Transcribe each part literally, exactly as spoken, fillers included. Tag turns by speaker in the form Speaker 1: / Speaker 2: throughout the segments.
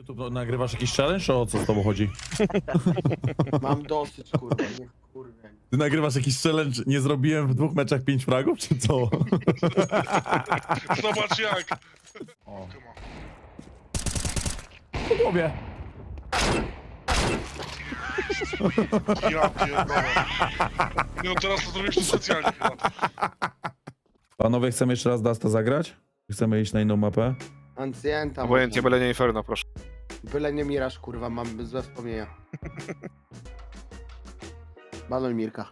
Speaker 1: YouTube no, nagrywasz jakiś challenge, o co z tobą chodzi?
Speaker 2: Mam dosyć, kurwa, nie kurwa.
Speaker 1: Ty nagrywasz jakiś challenge, nie zrobiłem w dwóch meczach pięć fragów, czy co?
Speaker 3: Zobacz jak!
Speaker 1: O. Po głowie.
Speaker 3: Ja pierdolę. Nie no teraz to zrobisz to specjalnie chyba.
Speaker 1: Panowie, chcemy jeszcze raz Dasta zagrać? Chcemy iść na inną mapę?
Speaker 2: Ancjenta.
Speaker 4: Obojętnie,
Speaker 2: można.
Speaker 4: byle nie Inferno, proszę.
Speaker 2: Byle nie Miraż, kurwa, mam złe wspomnienia. Banuj Mirka.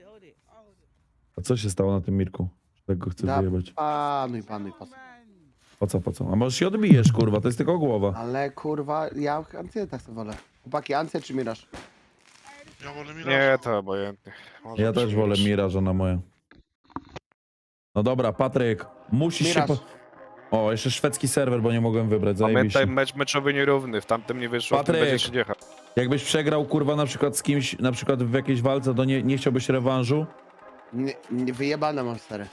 Speaker 1: A co się stało na tym Mirku? Tak go chcę
Speaker 2: Da-
Speaker 1: wyjebać.
Speaker 2: Panuj, panuj, panuj.
Speaker 1: Po co, po co? A może się odbijesz, kurwa, to jest tylko głowa.
Speaker 2: Ale kurwa, ja Ancjenta chcę wolę. Chłopaki, Ancję czy Miraż?
Speaker 3: Ja wolę mi
Speaker 4: Nie, to obojętnie. Może
Speaker 1: Ja
Speaker 4: być
Speaker 1: też wolę
Speaker 4: Miraż.
Speaker 1: Mira, żona moja. No dobra, Patryk, musisz się...
Speaker 2: Miraż.
Speaker 1: Po... O, jeszcze szwedzki serwer, bo nie mogłem wybrać,
Speaker 4: Pamiętaj,
Speaker 1: zajebiście.
Speaker 4: mecz meczowy nierówny, w tamtym nie wyszło, w tym
Speaker 1: Patryk.
Speaker 4: będzie się dziecha.
Speaker 1: Jakbyś przegrał, kurwa, na przykład z kimś, na przykład w jakiejś walce, to nie, nie chciałbyś rewanżu?
Speaker 2: Nie, nie wyjebane mam stary.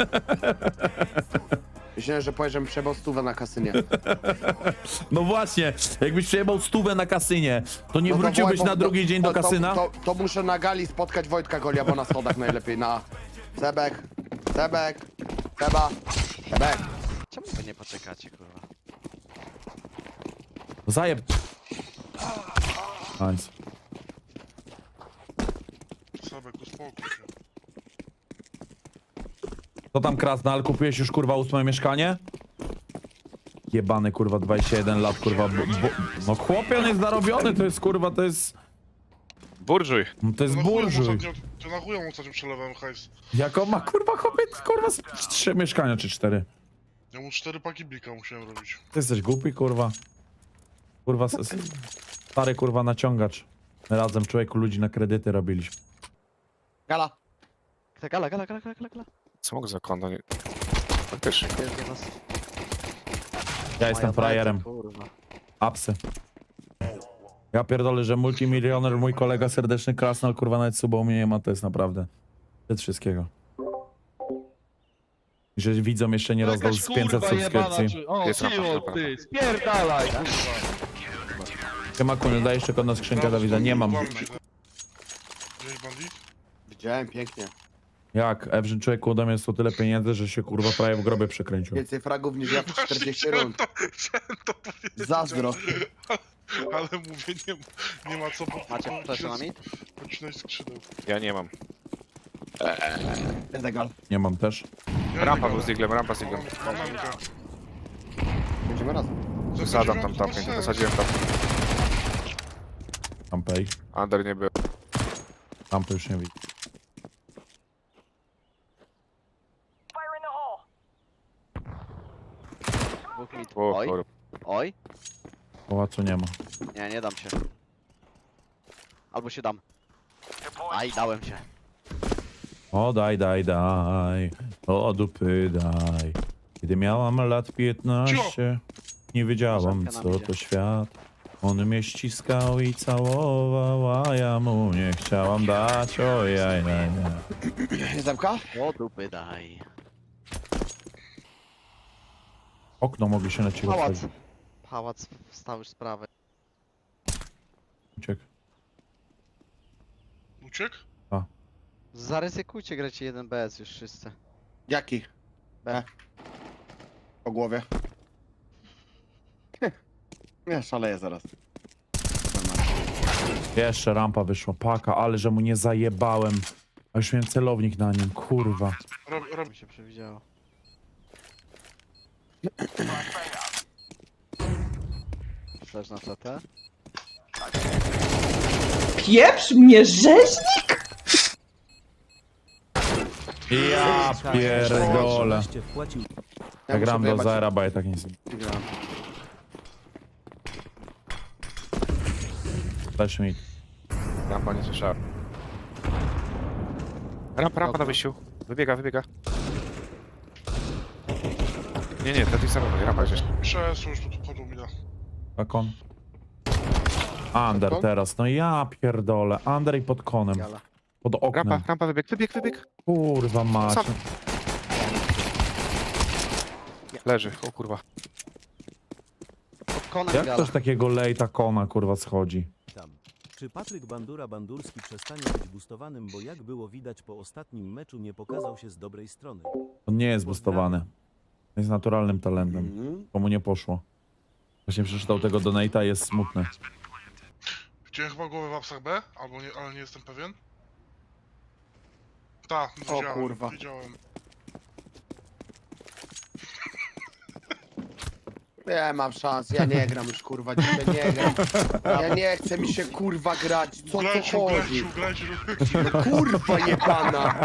Speaker 2: Myślałem, że powiesz, że przebał stówę na kasynie.
Speaker 1: No właśnie, jakbyś przejebał stówę na kasynie, to nie
Speaker 2: No to
Speaker 1: wróciłbyś
Speaker 2: wołaj,
Speaker 1: na
Speaker 2: bo-
Speaker 1: drugi dzień do
Speaker 2: to-
Speaker 1: kasyna?
Speaker 2: To, to, to muszę na gali spotkać Wojtka Golia, bo na schodach najlepiej, na... Sebek, Sebek, Seba, Sebek.
Speaker 5: Czemu wy nie poczekacie, kurwa?
Speaker 1: Zajeb... Nice.
Speaker 3: Sebek, uspokój się.
Speaker 1: Co tam, Krasnal? Kupiłeś już, kurwa, ósme mieszkanie? Jebany, kurwa, dwadzieścia jeden lat, kurwa, bo, bo... No chłopie, on jest zarobiony, to jest, kurwa, to jest...
Speaker 4: Burżuj.
Speaker 1: To jest
Speaker 3: To na chuj mu
Speaker 1: burżuj.
Speaker 3: ostatnio- To na chuj mu ostatnio przelewałem hajs.
Speaker 1: Jak on ma, kurwa, chłopie, kurwa, z trzy mieszkania, czy cztery?
Speaker 3: Ja mu cztery paki blika musiałem robić.
Speaker 1: Ty jesteś głupi, kurwa. Kurwa, s- s- stary, kurwa, naciągacz. Razem, człowieku, ludzi na kredyty robiliśmy.
Speaker 2: Gala.
Speaker 5: Gala, gala, gala, gala, gala, gala.
Speaker 4: Co mógł za konto? Nie... Faktycznie.
Speaker 5: Jest do nas.
Speaker 1: Ja jestem
Speaker 5: Moja
Speaker 1: frajerem.
Speaker 5: bajka, kurwa.
Speaker 1: Apsy. Ja pierdolę, że multimilioner, mój kolega serdeczny Krasnal, kurwa, nawet suba u mnie nie ma, to jest naprawdę szczyt wszystkiego. I że widzom jeszcze nie rozdał z pięćset subskrypcji.
Speaker 6: O,
Speaker 4: Jest rampa,
Speaker 6: siło,
Speaker 4: rampa,
Speaker 6: ty, spierdalaj, kurwa.
Speaker 1: Siema, kuniu, daj jeszcze kod na skrzynkę Dawida, nie mam.
Speaker 3: Widziałeś bandit?
Speaker 2: Widziałem, pięknie.
Speaker 1: Jak? Ewrzyn, człowieku, ode mnie jest to tyle pieniędzy, że się, kurwa, prawie w grobie przekręcił.
Speaker 2: Więcej fragów niż ja w czterdzieści
Speaker 3: Chciałem
Speaker 2: rund.
Speaker 3: to, chciałem to powiedzieć.
Speaker 2: Zazdro.
Speaker 3: Ale mówię, nie, nie ma co po-
Speaker 5: Macie
Speaker 3: po-
Speaker 5: flash na mit?
Speaker 3: Pocinać skrzydeł.
Speaker 4: Ja nie mam.
Speaker 2: Jest gal.
Speaker 1: Nie mam też.
Speaker 3: Ja
Speaker 4: Rampa
Speaker 3: nie
Speaker 4: był z Diglem, rampa z
Speaker 3: mam-
Speaker 4: Diglem.
Speaker 3: mam mamkę.
Speaker 2: Będziemy razem.
Speaker 4: Wysadzam tam
Speaker 3: Zasadziłem,
Speaker 4: tapkę,
Speaker 3: to ma
Speaker 4: wysadziłem tam.
Speaker 1: Rampej.
Speaker 4: Under nie był.
Speaker 1: Rampy już nie widzę.
Speaker 5: Dwóch mit.
Speaker 4: O,
Speaker 5: Oj,
Speaker 4: kurwa.
Speaker 5: oj.
Speaker 1: Pałacu nie ma.
Speaker 5: Nie, nie dam się. Albo się dam. Aj, dałem się.
Speaker 1: O daj, daj, daj, o dupy daj. Kiedy miałam lat piętnaście, nie wiedziałam
Speaker 5: Żabka nam
Speaker 1: co
Speaker 5: idzie.
Speaker 1: to świat. On mnie ściskał i całował, a ja mu nie chciałam dać, ojaj, jaj, jaj.
Speaker 2: Jest zamka?
Speaker 5: O dupy daj.
Speaker 1: Okno mogli się na ciebie
Speaker 5: Pałac.
Speaker 1: otworzyć.
Speaker 5: Pałac wstał już z prawej.
Speaker 1: Uciekł.
Speaker 3: Uciekł?
Speaker 5: Zaryzykujcie, grajcie jeden B S już wszyscy.
Speaker 2: Jaki?
Speaker 5: B.
Speaker 2: Po głowie. Ja szaleję zaraz.
Speaker 1: Jeszcze rampa wyszła, paka, ale że mu nie zajebałem. A już miałem celownik na nim, kurwa.
Speaker 3: Rob, rob,
Speaker 5: Mi się przewidziało. Flash na C T.
Speaker 7: Pieprz mnie rzeźnik?
Speaker 1: Ja pierdolę. Ja gram do
Speaker 2: wyjebać-
Speaker 1: zera, bo ja tak nic nie...
Speaker 2: Gram.
Speaker 1: Flash mi.
Speaker 4: Rampa nie słyszałem. Rampa, rampa na wyjściu. Wybiega, wybiega. Nie, nie, to tych samych, rampa gdzieś.
Speaker 3: przesuń już, bo tu wchodzą mi na.
Speaker 1: Tak on. Under
Speaker 2: Pod kon?
Speaker 1: teraz, no ja pierdolę. Under i pod konem.
Speaker 5: Gala.
Speaker 1: Pod oknem.
Speaker 4: Rampa, rampa, wybieg, wybieg, wybieg.
Speaker 1: Kurwa mać.
Speaker 4: Sam. Leży, o kurwa.
Speaker 5: Konek
Speaker 1: Jak
Speaker 5: gala.
Speaker 1: ktoś takiego lejta kona, kurwa, schodzi?
Speaker 6: Tam. Czy Patryk Bandura Bandurski przestanie być boostowanym, bo jak było widać po ostatnim meczu nie pokazał się z dobrej strony?
Speaker 1: On nie jest boostowany. Jest naturalnym talentem.
Speaker 2: Mhm.
Speaker 1: Komu nie poszło. Właśnie przeczytał tego donate'a, jest smutny.
Speaker 3: Widziałem chyba głowę w apsach B, albo nie, ale nie jestem pewien. Tak, widziałem,
Speaker 2: kurwa.
Speaker 3: widziałem.
Speaker 2: Nie mam szans, ja nie gram już kurwa, dzisiaj nie gram. Ja nie chcę mi się kurwa grać, co
Speaker 3: Ugrajcie,
Speaker 2: to chodzi?
Speaker 3: ugrajcie, ugrajcie.
Speaker 2: Kurwa jebana!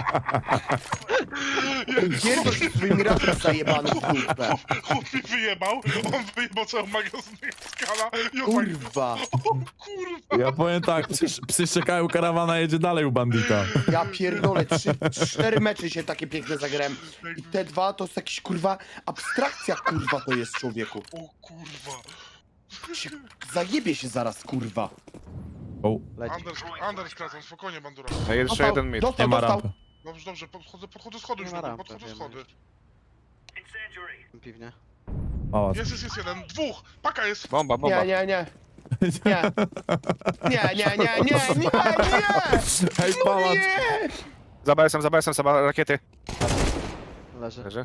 Speaker 2: Pierdol się swoimi razem zajebany w dupę.
Speaker 3: Chłop mi wyjebał, on wyjebał cały magazynek skala i on tak,
Speaker 2: Kurwa!
Speaker 3: o kurwa.
Speaker 1: Ja powiem tak, psy, psy czekają, karawana jedzie dalej u bandita.
Speaker 2: Ja pierdolę, trzy, cztery mecze się takie piękne zagrałem. I te dwa to jest jakiś kurwa abstrakcja kurwa to jest człowieku.
Speaker 3: O kurwa.
Speaker 2: Się, zajebie się zaraz kurwa.
Speaker 1: O,
Speaker 5: Leci.
Speaker 3: Anders, Anders kracą, spokojnie bandura.
Speaker 4: No i jeszcze
Speaker 2: Dostał,
Speaker 4: jeden mid.
Speaker 1: nie
Speaker 2: dostał,
Speaker 1: ma
Speaker 2: dostał.
Speaker 1: rampy.
Speaker 3: Dobrze, dobrze, podchodzę, podchodzę schody już,
Speaker 5: Nie ma
Speaker 3: lepiej,
Speaker 5: rampy,
Speaker 3: podchodzę
Speaker 5: wiemy
Speaker 3: schody.
Speaker 5: Piwnie.
Speaker 1: Pałac.
Speaker 3: Jest, jest, jest jeden, dwóch, paka jest.
Speaker 4: Bomba, bomba.
Speaker 2: Nie, nie, nie. Nie. Nie, nie, nie, nie, nie, nie!
Speaker 1: Hej,
Speaker 2: No
Speaker 1: pałac!
Speaker 2: nie!
Speaker 4: Za B S M, za B S M, za ba- rakiety.
Speaker 5: Leży.
Speaker 4: Leży.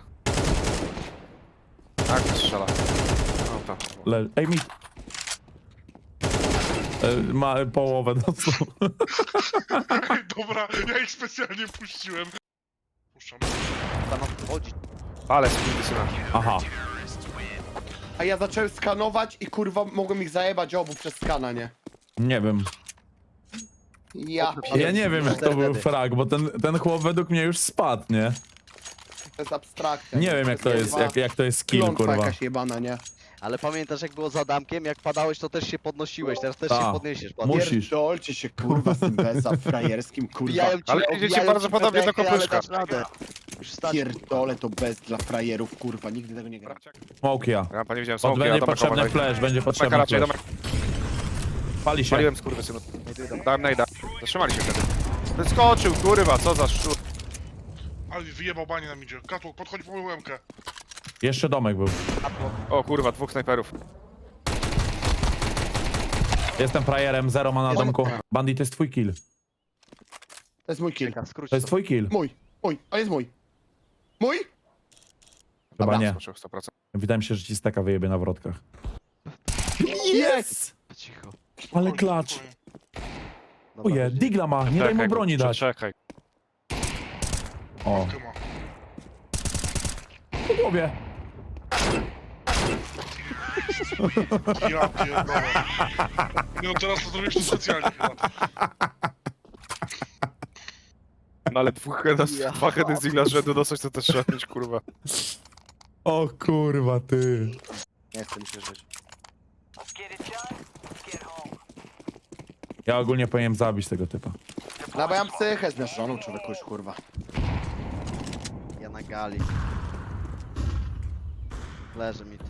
Speaker 4: Tak, strzela. No to.
Speaker 1: Le... Ej, mi... E, Ma połowę dostał.
Speaker 3: Dobra, ja ich specjalnie puściłem. Puszczam.
Speaker 5: Tam wchodzi.
Speaker 4: Ale skurwysyna.
Speaker 1: Aha.
Speaker 2: A ja zacząłem skanować i kurwa mogłem ich zajebać obu przez skana, nie?
Speaker 1: Nie wiem.
Speaker 2: Ja
Speaker 1: Ja nie wiem, jak to był
Speaker 5: Wtedy.
Speaker 1: frag, bo ten, ten chłop według mnie już spadł, nie?
Speaker 2: To jest abstrakcja.
Speaker 1: Nie wiem, jak to jest, jak, jak to jest skill,
Speaker 2: Klątwa
Speaker 1: kurwa.
Speaker 2: jakaś jebana, nie?
Speaker 5: Ale pamiętasz jak było z Adamkiem? Jak padałeś to też się podnosiłeś, teraz też
Speaker 1: Ta.
Speaker 5: się podniesiesz. Pan.
Speaker 1: Musisz.
Speaker 2: Pierdolcie się kurwa z tym beza frajerskim, kurwa.
Speaker 5: Wbijają ci,
Speaker 4: Ale
Speaker 5: obijają
Speaker 4: idziecie bardzo
Speaker 5: ci
Speaker 4: podobnie do
Speaker 5: petekę, ale
Speaker 4: kopyszka.
Speaker 5: dasz radę. Już stać.
Speaker 2: Pierdolę to bez dla frajerów, kurwa, nigdy tego nie gram.
Speaker 1: Smoke ja.
Speaker 4: Rampa nie widziałem
Speaker 1: Od
Speaker 4: smoki,
Speaker 1: będzie
Speaker 4: a domek
Speaker 1: potrzebny
Speaker 4: obok.
Speaker 1: flash, będzie
Speaker 4: Domek
Speaker 1: potrzebny
Speaker 4: raczej,
Speaker 1: flash.
Speaker 4: domek.
Speaker 1: Pali się.
Speaker 4: Paliłem skurwysynu. Dałem najda. Zatrzymali się wtedy. Wyskoczył, kurwa, co za szczur.
Speaker 3: Ale wyjebał banie nam idzie. Katłok, podchodzi po moją łemkę.
Speaker 1: Jeszcze domek był.
Speaker 4: O kurwa, dwóch snajperów.
Speaker 1: Jestem frajerem, zero ma na
Speaker 5: Jest-
Speaker 1: domku. Bandit, to jest twój kill.
Speaker 2: To jest mój kill.
Speaker 5: Skróć
Speaker 1: To jest twój kill.
Speaker 2: Mój, mój, on jest mój. Mój?
Speaker 1: Chyba
Speaker 2: Dobra.
Speaker 1: nie.
Speaker 4: Skoczył sto procent.
Speaker 1: Wydaje mi się, że ci steka wyjebie na wrotkach.
Speaker 2: Yes!
Speaker 5: Cicho.
Speaker 1: Ale
Speaker 3: Spokojnie,
Speaker 1: klacz.
Speaker 3: spokojnie.
Speaker 5: Dobra,
Speaker 1: Oje,
Speaker 5: będzie.
Speaker 1: digla ma, nie daj mu
Speaker 4: Czekaj,
Speaker 1: broni dać.
Speaker 4: Czekaj.
Speaker 1: O,
Speaker 3: Ty ma.
Speaker 1: po głowie.
Speaker 3: Ja pierdolę. Nie no, teraz to zrobisz to specjalnie chyba.
Speaker 4: No ale dwóch head,
Speaker 5: Ja.
Speaker 4: dwa heady z igla rzędu dostać to też trzeba mieć, kurwa.
Speaker 1: O kurwa, ty.
Speaker 2: Nie chcę mi się żyć.
Speaker 1: Ja ogólnie powinienem zabić tego typa.
Speaker 2: No bo ja mam psychę zmierzoną, człowieku już, kurwa.
Speaker 5: Ja na gali. Leży mit.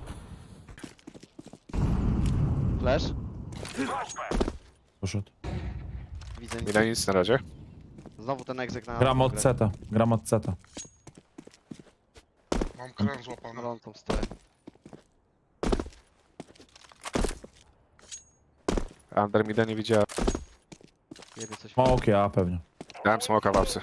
Speaker 5: Flash?
Speaker 1: Poszedł.
Speaker 5: Widzę
Speaker 4: Nie
Speaker 5: nic.
Speaker 4: da nic na razie.
Speaker 5: Znowu ten egzek na
Speaker 1: Gram od
Speaker 5: grę.
Speaker 1: seta, gram od seta.
Speaker 3: Mam kran złapany.
Speaker 5: Gorącą stoję.
Speaker 4: Under mida nie widziałem.
Speaker 5: Jebie coś.
Speaker 1: Smoke ja, pewnie.
Speaker 4: Dałem smoka w apsy.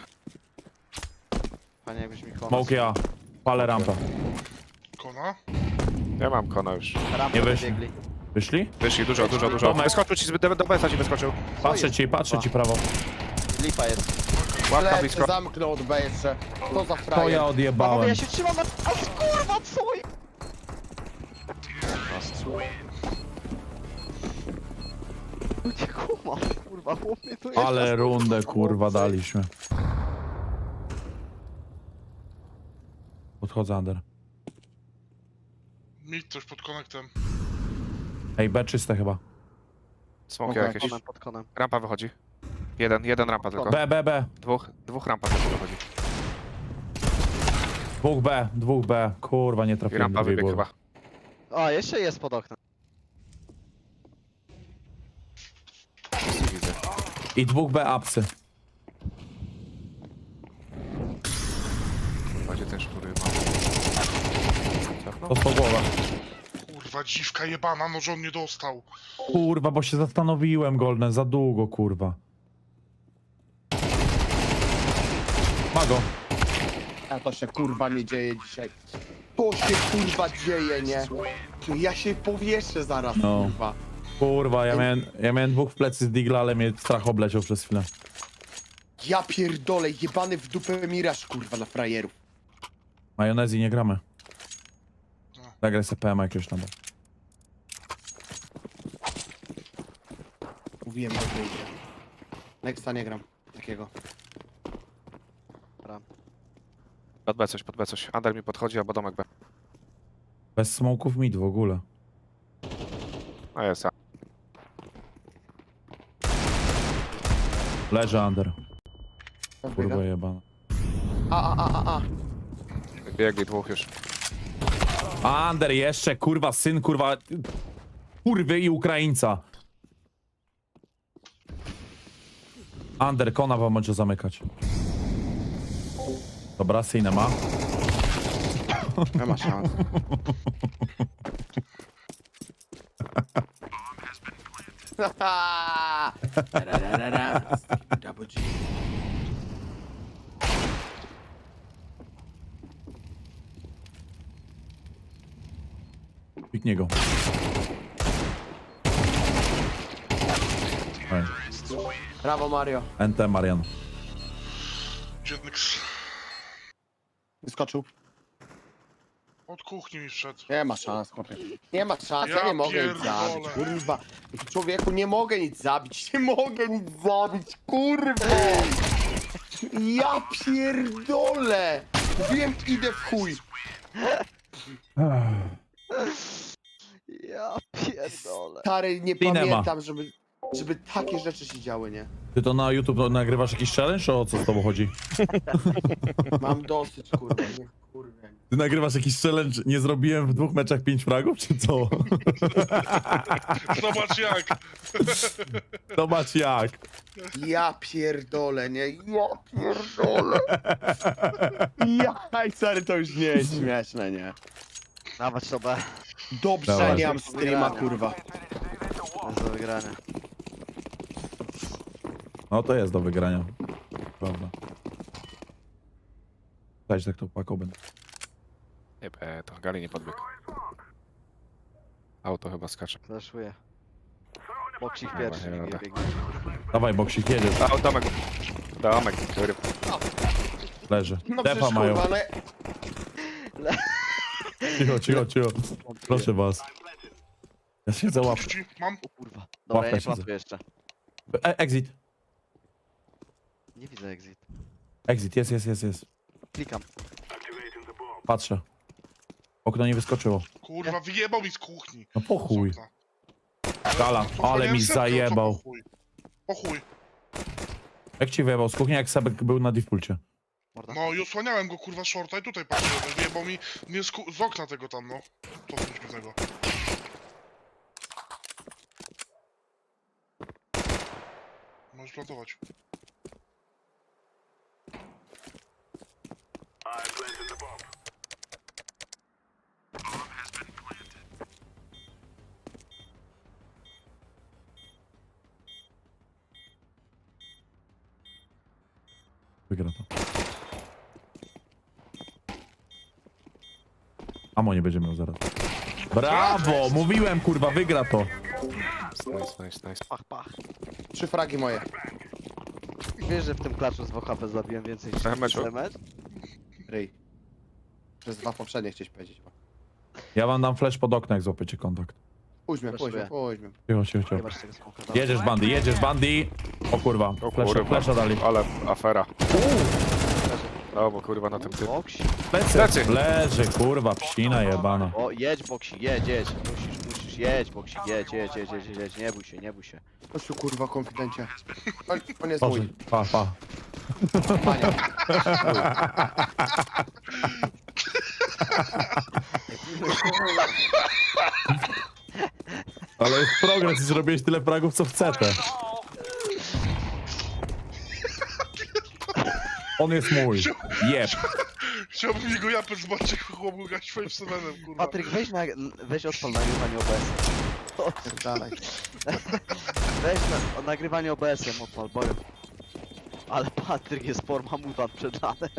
Speaker 5: Panie jakbyś mi pomóc.
Speaker 1: Smoke ja. Palę rampę.
Speaker 3: Kona?
Speaker 4: Ja mam kona już.
Speaker 5: Rampę
Speaker 1: Nie wyszli.
Speaker 5: wybiegli.
Speaker 1: Wyszli?
Speaker 4: Wyszli, dużo, dużo, dużo.
Speaker 1: Tomek.
Speaker 4: Wyskoczył ci, z- do, do B S A ci wyskoczył.
Speaker 1: Patrzę ci, patrzę ci prawo.
Speaker 5: Lipa jest.
Speaker 4: Łapka
Speaker 2: Lecę,
Speaker 4: blisko.
Speaker 2: zamknął od B jeszcze. Co za
Speaker 1: To
Speaker 2: frajer?
Speaker 1: ja
Speaker 5: Panowie,
Speaker 1: odjebałem.
Speaker 5: ja się trzymam na... A kurwa, co je... Nie kumam, kurwa, chłop mnie tu jest.
Speaker 1: Ale rundę kurwa daliśmy. Podchodzę under.
Speaker 3: Mieć coś pod konektem.
Speaker 1: Ej, B czyste chyba.
Speaker 4: Smoki
Speaker 2: Okej.
Speaker 4: jakieś.
Speaker 5: Konem, pod konem.
Speaker 4: Rampa wychodzi. Jeden, jeden rampa tylko.
Speaker 1: B, B, B.
Speaker 4: Dwóch, dwóch rampa tylko wychodzi.
Speaker 1: Dwóch B, dwóch B. Kurwa, nie
Speaker 4: I
Speaker 1: trafiłem.
Speaker 4: rampa
Speaker 1: drugiej
Speaker 4: wybiegł
Speaker 1: głowy.
Speaker 4: chyba.
Speaker 5: O, jeszcze jest pod oknem.
Speaker 4: Nic nie widzę.
Speaker 1: I dwóch B apsy.
Speaker 4: Będzie ten szczury ma.
Speaker 1: To po głowa.
Speaker 3: Kurwa, Kurwa, dziwka jebana, no że on nie dostał.
Speaker 1: Kurwa, bo się zastanowiłem, Golden, za długo, kurwa. Ma go.
Speaker 2: A to się kurwa nie dzieje dzisiaj. To się kurwa dzieje, nie? Ja się powieszę zaraz,
Speaker 1: No.
Speaker 2: kurwa.
Speaker 1: Kurwa, ja miałem, ja miałem dwóch w plecy z Digla, ale mnie strach obleciał przez chwilę.
Speaker 2: Ja pierdolę, jebany w dupę miraż, kurwa, na frajerów.
Speaker 1: Majonezji nie gramy. Zagraj sobie P M jakiegoś tam.
Speaker 2: Mówiłem, że to idzie. Nexta nie gram. Takiego.
Speaker 4: Pod B coś, pod B coś. Under mi podchodzi, albo domek B.
Speaker 1: Bez smoków mid w ogóle.
Speaker 4: A jest, a.
Speaker 1: Leży under. Kurwa jebana.
Speaker 2: A, a, a, a, a.
Speaker 4: Biegli dwóch już.
Speaker 1: Under jeszcze, kurwa, syn, kurwa... Kurwy i Ukraińca. Under, kona wam może zamykać. Dobra, synę ma.
Speaker 2: Nie ma szans. Double G.
Speaker 1: Piknie go. Oj,
Speaker 2: Brawo, Mario.
Speaker 1: N T Marian.
Speaker 3: Jednak
Speaker 2: Wyskoczył.
Speaker 3: od kuchni mi wszedł.
Speaker 2: Nie ma szans, chłopie. Nie ma szans, ja,
Speaker 3: Ja
Speaker 2: nie mogę nic
Speaker 3: pierdolę.
Speaker 2: zabić, kurwa. Człowieku, nie mogę nic zabić, nie mogę nic zabić, kurwa. Ja pierdolę. Wiem, idę w chuj.
Speaker 5: Ja pierdolę.
Speaker 2: Stary, nie
Speaker 1: Cinema.
Speaker 2: pamiętam, żeby, żeby takie rzeczy się działy, nie?
Speaker 1: Ty to na YouTube nagrywasz jakiś challenge, o co z tobą chodzi?
Speaker 2: Mam dosyć, kurwa, nie kurwa.
Speaker 1: Ty nagrywasz jakiś challenge, nie zrobiłem w dwóch meczach pięć fragów, czy co?
Speaker 3: Zobacz jak.
Speaker 1: Zobacz jak.
Speaker 2: Ja pierdolę, nie? Ja pierdolę. Ja, stary, to już nie jest śmieszne, nie?
Speaker 5: Dawać to B.
Speaker 2: Dobrze,
Speaker 1: Dawaj.
Speaker 2: nie mam streama, kurwa.
Speaker 5: To jest do wygrania.
Speaker 1: No to jest do wygrania. Prawda. Dajcie tak to paką będę.
Speaker 4: Nie, B, to Gali nie podbiegł. Auto chyba skacze.
Speaker 5: Flashuję. Boksik
Speaker 4: Dobra,
Speaker 5: pierwszy
Speaker 4: nie
Speaker 5: biegnie,
Speaker 4: dobra.
Speaker 5: biegnie.
Speaker 1: Dawaj, boksik, jedziesz.
Speaker 4: A, domek. Domek, kurwa.
Speaker 1: Leży.
Speaker 2: No
Speaker 1: Defa
Speaker 2: przecież,
Speaker 1: mają.
Speaker 2: kurwa, ale...
Speaker 1: Cicho, cicho, cicho. Proszę was. Ja siedzę łapkę.
Speaker 3: Kuchni, mam.
Speaker 5: O kurwa. Dobra, ja nie
Speaker 1: Łapka siedzę.
Speaker 5: placuję jeszcze.
Speaker 1: E exit.
Speaker 5: Nie widzę exit.
Speaker 1: Exit, jest, jest, jest, jest.
Speaker 5: Klikam.
Speaker 1: Patrzę. Okno nie wyskoczyło.
Speaker 3: Kurwa, wyjebał mi z kuchni.
Speaker 1: No po chuj.
Speaker 3: Z okna.
Speaker 1: Gala,
Speaker 3: Kurwa,
Speaker 1: ale
Speaker 3: miałem
Speaker 1: mi
Speaker 3: setkę, co
Speaker 1: zajebał.
Speaker 3: Po chuj. Po chuj.
Speaker 1: Jak ci wyjebał z kuchni, jak Sebek był na defaulcie?
Speaker 5: Morda.
Speaker 3: No i osłaniałem go kurwa shorta i tutaj patrzyłem. Wyjebał mi nie z, ku- z okna tego tam, no. To mi tego. Możesz plantować.
Speaker 1: Wygra to. Amo nie będzie miał zaraz. Brawo! Mówiłem, kurwa, wygra to.
Speaker 4: Nice, nice, nice.
Speaker 5: Pach, pach.
Speaker 2: Trzy fragi moje.
Speaker 5: Wiesz, że w tym klaczu z dwa H P zabiłem więcej niż
Speaker 4: Trochę
Speaker 5: w
Speaker 4: meczu.
Speaker 5: mecz?
Speaker 2: Ryj. Przez dwa poprzednie chcieć powiedzieć.
Speaker 1: Ja wam dam flash pod okno, jak złapiecie kontakt.
Speaker 2: Pójdźmy, pójdźmy,
Speaker 5: Flashuję.
Speaker 2: pójdźmy.
Speaker 1: Cicho, cicho, cicho.
Speaker 5: Nie masz tego smoka.
Speaker 1: Jedziesz, bandy, jedziesz, bandy. O kurwa,
Speaker 4: O
Speaker 1: flasha,
Speaker 4: kurwa.
Speaker 1: flasha dali.
Speaker 4: Ale afera. O, bo kurwa na tym typ.
Speaker 5: Boksi.
Speaker 1: Plecy.
Speaker 4: Plecy.
Speaker 1: Leży, kurwa, psina jebana.
Speaker 5: O, jedź boksik, jedź, jedź. Musisz, musisz, jedź boksik, jedź, jedź, jedź, jedź, jedź, jedź. Nie bój się, nie bój się.
Speaker 2: Chodź tu, kurwa, konfidencie. On, on jest
Speaker 1: Boże,
Speaker 2: mój.
Speaker 1: pa, pa.
Speaker 2: Pania.
Speaker 1: Ale jest progres i zrobiłeś tyle fragów, co w C T. On jest mój. Jeb.
Speaker 3: Chciałbym jego japę zobaczyć, jak chłop go gać five sevenem, kurwa.
Speaker 5: Patryk, weź, na, weź odpal nagrywanie O B S. O, dalej. Weź na, o nagrywanie O B S-em odpal, boję. Ale Patryk jest forma mutant przed lanem.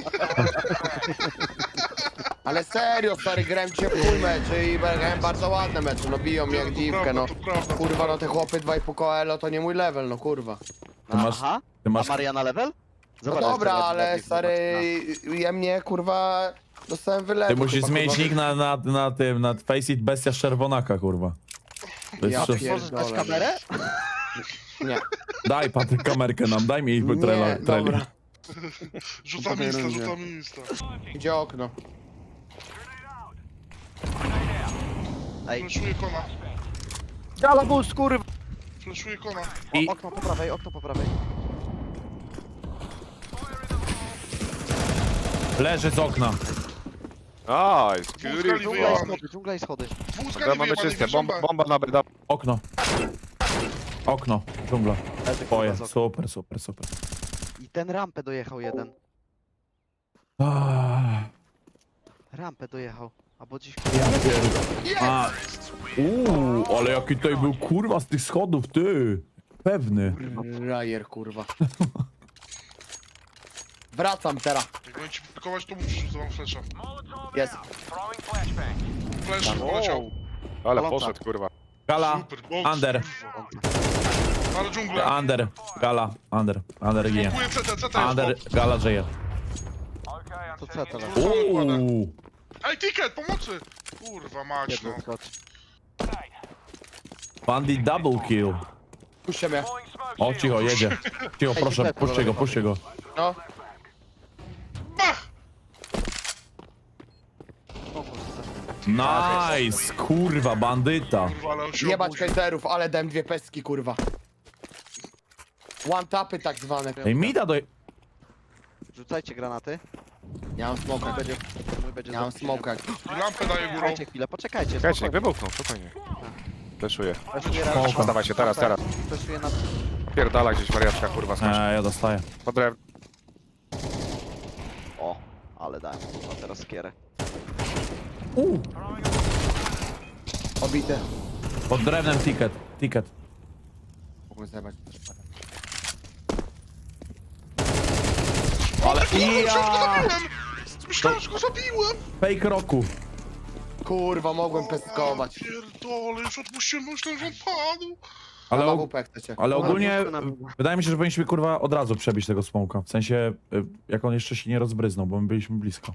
Speaker 2: Ale serio, stary, grałem dzisiaj w chuj meczy i grałem bardzo ładne mecze, no biją mnie jak
Speaker 3: To
Speaker 2: dziwkę,
Speaker 3: prawda,
Speaker 2: no.
Speaker 3: to prawda.
Speaker 2: Kurwa, no te chłopy dwa i pół koelo to nie mój level, no kurwa.
Speaker 1: Ty masz-
Speaker 5: Aha,
Speaker 1: Ty
Speaker 5: a
Speaker 1: masz...
Speaker 5: Mariana level?
Speaker 2: No
Speaker 5: Zobacz,
Speaker 2: dobra,
Speaker 5: jak to
Speaker 2: ale
Speaker 5: ładnie
Speaker 2: stary,
Speaker 5: zobacz,
Speaker 2: ja mnie kurwa dostałem wylewu.
Speaker 1: Ty musisz
Speaker 2: chyba,
Speaker 1: zmienić
Speaker 2: kurwa.
Speaker 1: nick na, na, na tym, na Faceit Bestia Czerwonaka, kurwa. To jest
Speaker 2: Ja
Speaker 1: szef-
Speaker 2: pier-
Speaker 5: Możesz dać
Speaker 2: Pierdolę,
Speaker 5: kamerę?
Speaker 2: Nie,
Speaker 1: Daj Patryk kamerkę nam, daj mi
Speaker 2: nie,
Speaker 1: trailer.
Speaker 2: dobra.
Speaker 3: Rzucam
Speaker 2: Po tej
Speaker 3: insta,
Speaker 2: rundzie.
Speaker 3: rzucam insta.
Speaker 2: Gdzie okno?
Speaker 5: Ej,
Speaker 3: Fleszuję kona,
Speaker 5: Galabus, kurwa!
Speaker 3: fleszuję kona.
Speaker 1: I
Speaker 5: Okno po prawej, okno po prawej.
Speaker 1: leży z okna.
Speaker 4: Nice,
Speaker 3: Dwóch
Speaker 4: Fury.
Speaker 3: skali
Speaker 5: Dżungla i
Speaker 3: wyjebany.
Speaker 5: schody, dżungla i schody.
Speaker 3: Dwóch
Speaker 4: Dobra,
Speaker 3: skali
Speaker 4: mamy
Speaker 3: wyjebany,
Speaker 4: czyste,
Speaker 3: wjeżdżam
Speaker 4: bomba,
Speaker 3: B.
Speaker 4: bomba na B.
Speaker 1: Okno. Okno, dżungla.
Speaker 5: Leży, kurwa,
Speaker 1: Twoje,
Speaker 5: z okna.
Speaker 1: super, super, super.
Speaker 5: I ten rampę dojechał jeden.
Speaker 1: Ah,
Speaker 5: Rampę dojechał. Albo dziś...
Speaker 1: A, uuu, ale jaki tutaj był kurwa z tych schodów, ty. Pewny.
Speaker 2: Rajer, kurwa. Wracam teraz.
Speaker 3: Jak będę ci blokować, to musisz rzucam flesza.
Speaker 2: Jest.
Speaker 3: Flash poleciał.
Speaker 4: Ale
Speaker 5: Paląca.
Speaker 4: poszedł, kurwa.
Speaker 1: Gala,
Speaker 3: Super, box,
Speaker 1: under,
Speaker 3: kurwa. Ale dżungla.
Speaker 1: under, gala, under, under ginie.
Speaker 3: Blokuję C T, C T
Speaker 1: Under,
Speaker 3: jest box.
Speaker 1: gala żyje.
Speaker 5: To co teraz?
Speaker 1: Uuu,
Speaker 3: Ej, ticket, pomocy! Kurwa mać, no.
Speaker 5: Jeden skocz.
Speaker 1: bandit double kill.
Speaker 2: Puśćcie mnie.
Speaker 1: O, cicho, jedzie. Cicho, proszę, puśćcie go, puśćcie go.
Speaker 2: No.
Speaker 3: Bach!
Speaker 5: O kurwa.
Speaker 1: Nice, kurwa, bandyta.
Speaker 3: Kurwa, ale on się
Speaker 2: Jebać
Speaker 3: obudził.
Speaker 2: hejterów, ale dałem dwie pestki, kurwa. One tapy tak zwane.
Speaker 1: Ej, mida do...
Speaker 5: Rzucajcie granaty.
Speaker 2: Ja mam smoka.
Speaker 5: Będzie, mój będzie
Speaker 2: Ja mam
Speaker 5: za
Speaker 2: smoka.
Speaker 3: I lampę daję górą.
Speaker 5: Poczekajcie chwilę, poczekajcie.
Speaker 4: Czekajcie, niech
Speaker 5: spokojnie.
Speaker 4: wybuchną, spokojnie. Fleszuję.
Speaker 5: Fleszuję raz.
Speaker 1: Spoko.
Speaker 4: Dawaj się, teraz, teraz.
Speaker 5: Fleszuję na...
Speaker 4: Pierdala gdzieś wariatka, kurwa, skocz.
Speaker 1: Eee, ja dostaję.
Speaker 4: Po drew...
Speaker 5: O, ale dałem. A teraz skierę.
Speaker 1: Uuu,
Speaker 2: Obity.
Speaker 1: pod drewnem ticket, ticket.
Speaker 2: Mogłem zjebać.
Speaker 1: Ale ja!
Speaker 3: Zabiłem! Myślałem, że go zabiłem!
Speaker 1: Fake roku.
Speaker 2: Kurwa, mogłem pestkować.
Speaker 3: Pierdolę, już odpuściłem, myślałem, że on padł.
Speaker 1: Ale,
Speaker 2: Ale
Speaker 1: og
Speaker 2: ogół chcecie.
Speaker 1: ale ogólnie
Speaker 5: Dobra,
Speaker 1: y, wydaje mi się, że powinniśmy kurwa od razu przebić tego smoka. W sensie, y, jak on jeszcze się nie rozbryznął, bo my byliśmy blisko.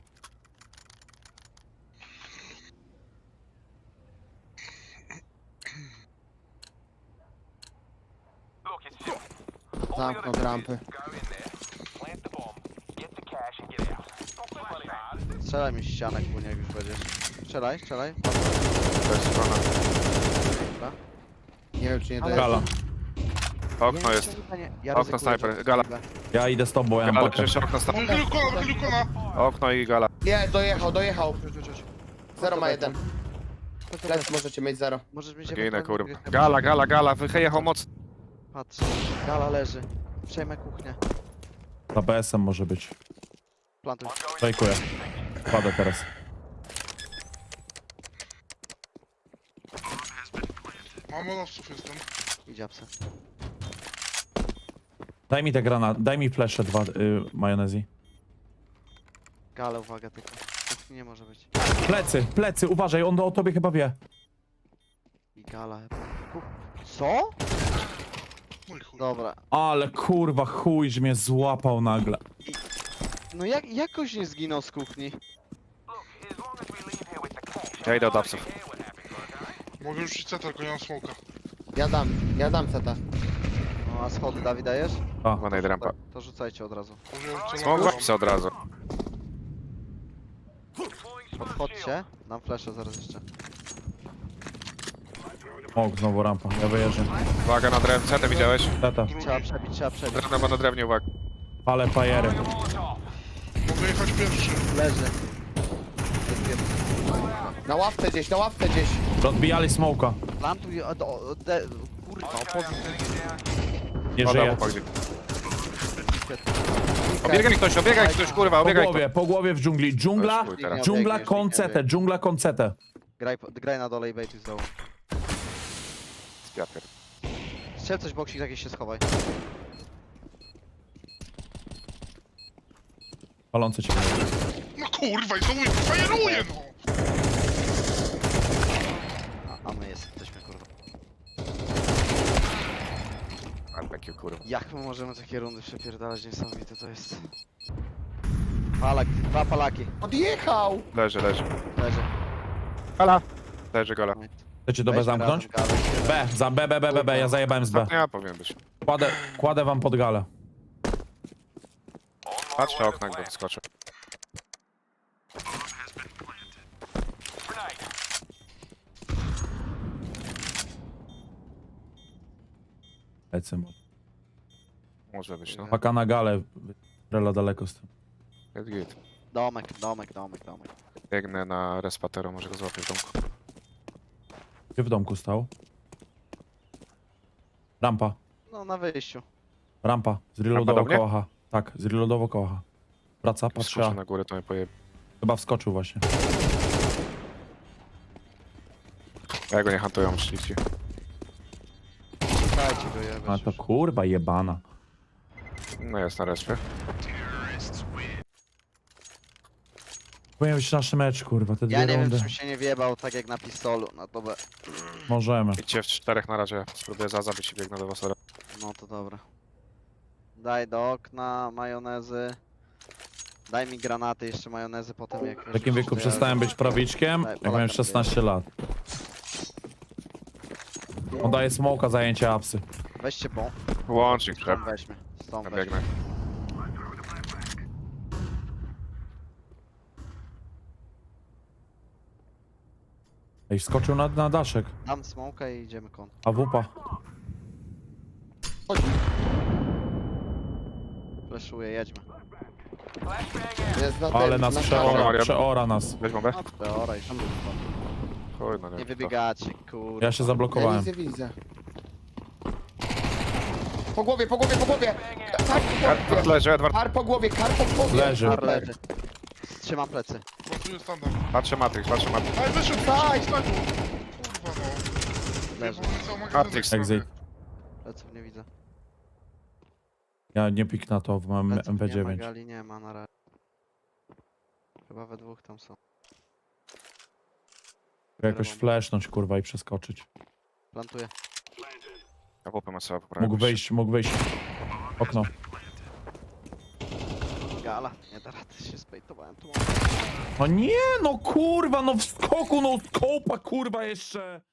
Speaker 2: Zamknął rampy.
Speaker 5: Strzelaj mi ścianę, kłunie, jak już będziesz. Strzelaj, strzelaj.
Speaker 4: To jest strona.
Speaker 5: Dobra.
Speaker 2: Nie wiem, czy nie
Speaker 5: Ale-
Speaker 2: dojeżdżę.
Speaker 1: Gala,
Speaker 4: Okno
Speaker 5: Nie,
Speaker 4: jest.
Speaker 5: strzelaj, nie, ja
Speaker 4: Okno
Speaker 5: ryzykuję,
Speaker 4: snajper,
Speaker 5: że-
Speaker 4: gala.
Speaker 1: ja idę z tobą, ja mam
Speaker 4: Gala,
Speaker 1: pakę.
Speaker 4: jeszcze okno sta...
Speaker 3: Wychylił kona, wychylił kona.
Speaker 4: Okno i gala.
Speaker 2: Nie, dojechał, dojechał.
Speaker 5: Chodź, chodź, chodź.
Speaker 2: Zero ma
Speaker 5: Chodź,
Speaker 2: jeden.
Speaker 5: chodź, chodź,
Speaker 2: Lec
Speaker 5: chodź.
Speaker 2: możecie mieć zero.
Speaker 5: Możesz mieć
Speaker 4: Ginę,
Speaker 5: ewentualnie
Speaker 4: kurwa.
Speaker 5: gdzieś-
Speaker 4: Gala, gala, gala, wyjechał mocno.
Speaker 5: Patrz, gala leży. Przejmę kuchnię.
Speaker 1: Za B S-em może być.
Speaker 5: Plantuj.
Speaker 1: Fejkuję. Wpadę teraz.
Speaker 3: Mam monowców jestem.
Speaker 5: Idzie apsy.
Speaker 1: Daj mi te granat, daj mi flesze dwa, y, majonezji.
Speaker 5: Gala, uwaga tylko. Kuchni nie może być.
Speaker 1: Plecy, plecy, uważaj, on o tobie chyba wie.
Speaker 5: I gala chyba. Kuch... Co?
Speaker 3: Mój chuj.
Speaker 5: Dobra.
Speaker 1: Ale kurwa chuj, że mnie złapał nagle.
Speaker 5: No jak, jakoś nie zginął z kuchni.
Speaker 4: Ja idę od apsów.
Speaker 3: Mogę już iść C T, tylko nie mam smoka.
Speaker 2: Ja dam, ja dam seta.
Speaker 5: No a schody Dawid dajesz?
Speaker 1: A,
Speaker 4: Chyba najdę rampa.
Speaker 5: To rzucajcie od razu.
Speaker 3: Może ja
Speaker 4: Smok
Speaker 3: celowo-
Speaker 4: w apsy od razu.
Speaker 5: Podchodźcie. Dam fleszę zaraz jeszcze.
Speaker 1: o, znowu rampa, ja wyjeżdżam.
Speaker 4: Uwaga na drewnie. Co ty widziałeś?
Speaker 1: Tata,
Speaker 5: Trzeba przebić, trzeba przebić.
Speaker 4: Drewno ma na drewnie, uwaga.
Speaker 1: palę fajery.
Speaker 3: Mogę jechać pierwszy.
Speaker 5: Leży. Jest jeden.
Speaker 2: Na ławce gdzieś, na ławce gdzieś.
Speaker 1: Rozbijali smoka.
Speaker 5: Plantuj, o, o, de, kurwa, opozycję.
Speaker 1: Nie
Speaker 4: Pada,
Speaker 1: żyje.
Speaker 4: chłopaki. Obiegaj mi ktoś, obiegaj ktoś, kurwa,
Speaker 1: Po
Speaker 4: obiegaj
Speaker 1: głowie, po głowie w dżungli. Dżungla,
Speaker 4: Weź chuj teraz.
Speaker 1: dżungla
Speaker 5: Biegniesz,
Speaker 1: koncetę,
Speaker 5: biegniesz.
Speaker 1: dżungla koncetę.
Speaker 5: Graj, po- graj na dole i bejtuj z dołu.
Speaker 4: Ja pierd-
Speaker 5: Strzel coś boksik, jakieś się schowaj.
Speaker 1: Palące cię.
Speaker 3: No kurwa, i znowu mi fajeruje, no!
Speaker 5: A, a my jesteśmy kurwa.
Speaker 4: Barbecue, kurwa.
Speaker 5: Jak my możemy takie rundy przepierdalać, niesamowite to jest. Palak, dwa palaki.
Speaker 2: Odjechał!
Speaker 4: Leży, leży.
Speaker 5: Leży.
Speaker 4: Gala. Leży gala.
Speaker 1: Chcecie do B
Speaker 5: Weźmy
Speaker 1: zamknąć?
Speaker 5: razem galę.
Speaker 1: B, za B, B, B, B, B, ja zajebałem z B.
Speaker 4: Ja powinien być.
Speaker 1: Kładę, kładę wam pod galę.
Speaker 4: Patrz na okno, jakby wyskoczył.
Speaker 1: Lecę.
Speaker 4: Może być, no.
Speaker 1: Paka na galę. Rela daleko z tym.
Speaker 4: Jest git.
Speaker 5: Domek, domek, domek, domek.
Speaker 4: Biegnę na respatero, może go złapię w domku.
Speaker 1: Gdzie w domku stał? Rampa.
Speaker 5: No na wyjściu.
Speaker 1: Rampa.
Speaker 4: Rampa do
Speaker 1: Zreloadował
Speaker 4: mnie?
Speaker 1: kołacha. Tak, zreloadował kołacha. Wraca, patrzy.
Speaker 4: Skoczę
Speaker 1: A.
Speaker 4: na górę, to mnie pojeb...
Speaker 1: Chyba wskoczył właśnie.
Speaker 4: Ja go nie hantują, szlifci.
Speaker 5: Dajcie go jebać
Speaker 1: A to
Speaker 5: już.
Speaker 1: kurwa jebana.
Speaker 4: No jest na respie.
Speaker 1: Powinien być nasz mecz, kurwa, te dwie
Speaker 5: Ja nie wiem,
Speaker 1: rundy.
Speaker 5: czym się nie wjebał, tak jak na pistolu. No to be...
Speaker 1: Możemy.
Speaker 4: Idźcie w czterech na razie. Spróbuję za zabić i biegnę do was.
Speaker 5: No to dobra. Daj do okna, majonezy. Daj mi granaty, jeszcze majonezy, potem jak...
Speaker 1: W takim wieku przestałem być prawiczkiem,
Speaker 5: Daj,
Speaker 1: jak miałem
Speaker 5: Polaka
Speaker 1: szesnaście lat. On daje smoka zajęcie apsy.
Speaker 5: Weźcie pą.
Speaker 4: Łącznik,
Speaker 5: Stąd
Speaker 4: trzeba.
Speaker 5: weźmy. Stąd
Speaker 4: Ja
Speaker 5: weźmy.
Speaker 4: biegnę.
Speaker 1: Ej, wskoczył na, na daszek.
Speaker 5: Dam smoka i idziemy kon.
Speaker 1: A wupa.
Speaker 2: Chodzi.
Speaker 5: Fleszuję, jedźmy.
Speaker 2: Jest na
Speaker 1: Ale
Speaker 2: tym,
Speaker 1: nas
Speaker 2: na
Speaker 1: przeora,
Speaker 4: Maria.
Speaker 1: przeora nas.
Speaker 4: Weź bombę?
Speaker 5: No teora już.
Speaker 4: Chuj, no nie.
Speaker 5: Nie wybiegacie, kurwa.
Speaker 1: Ja się
Speaker 2: Ja
Speaker 1: zablokowałem.
Speaker 2: widzę, widzę. Po głowie, po głowie, po głowie! Kar po głowie!
Speaker 4: Leży, Edward.
Speaker 2: Kar po głowie, kar po głowie!
Speaker 1: Leży.
Speaker 5: Kar leży. Trzymam plecy.
Speaker 3: Pracuję standard.
Speaker 4: Patrzę Matrix, patrzę Matrix.
Speaker 3: Ale wyszedł,
Speaker 2: Daj!
Speaker 3: wyszedł, wyszedł. Kurwa, no.
Speaker 5: Leży.
Speaker 3: Ja mam cały magazyn
Speaker 4: Matrix.
Speaker 3: tak
Speaker 1: Exit.
Speaker 3: sobie.
Speaker 5: Pleców nie widzę.
Speaker 1: Ja nie pik na to, bo mam
Speaker 5: Pleców
Speaker 1: M P
Speaker 5: nie ma,
Speaker 1: dziewięć.
Speaker 5: gali nie ma na razie. Chyba we dwóch tam są.
Speaker 1: Jakoś flashnąć, kurwa, i przeskoczyć.
Speaker 5: Plantuję.
Speaker 4: Ja W P ma sobie poprawić.
Speaker 1: Mógł wyjść, mógł wyjść. Okno.
Speaker 5: Gala. Nie da rady, się spejtowałem tu.
Speaker 1: No nie, no kurwa, no w skoku, no skopa, kurwa, jeszcze.